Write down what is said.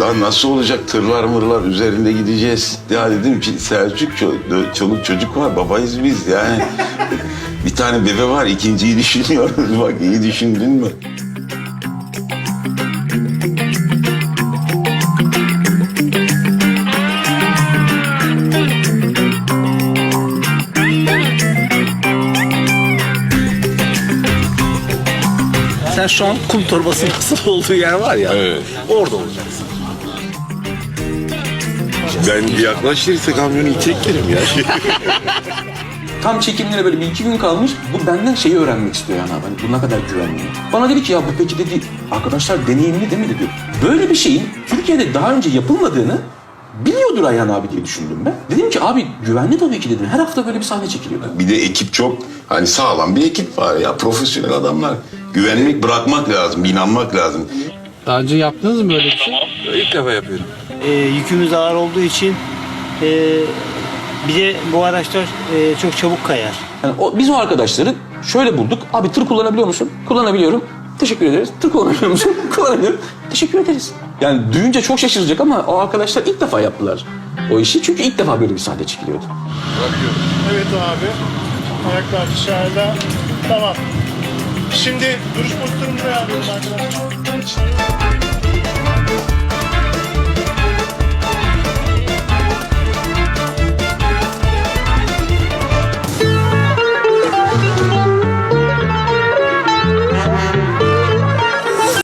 Lan nasıl olacak, tırlar mırlar üzerinde gideceğiz. Ya dedim ki Selçuk, çoluk çocuk var, babayız biz yani. Bir tane bebe var, ikinciyi düşünüyoruz. Bak iyi düşündün mü? Sen şu an kum torbası nasıl olduğu yer var ya. Evet. Orada olacaksın. Ben yaklaşırsa kamyonu iteklerim ya. Tam çekimlere böyle 1-2 gün kalmış. Bu benden şeyi öğrenmek istiyor yani abi. Hani bu ne kadar güvenli. Bana dedi ki ya bu peki dedi arkadaşlar deneyimli değil mi dedi. Böyle bir şeyin Türkiye'de daha önce yapılmadığını biliyordur Ayhan abi diye düşündüm ben. Dedim ki abi güvenli tabii ki dedim. Her hafta böyle bir sahne çekiliyor. Bir de ekip çok hani sağlam bir ekip var ya, profesyonel adamlar. Güvenmek, bırakmak lazım, inanmak lazım. Daha önce yaptınız mı böyle bir şey? İlk defa yapıyorum. Yükümüz ağır olduğu için bir de bu araçlar çok çabuk kayar. Yani biz o arkadaşları şöyle bulduk. Abi tır kullanabiliyor musun? Kullanabiliyorum. Teşekkür ederiz. Tır kullanabiliyor musun? Kullanabiliyorum. Teşekkür ederiz. Yani duyunca çok şaşıracak ama o arkadaşlar ilk defa yaptılar o işi. Çünkü ilk defa böyle bir sahne çekiliyordu. Evet abi. Ayaklar dışarıda. Tamam. Şimdi duruş pozisyonumuzu ayarlıyoruz arkadaşlar.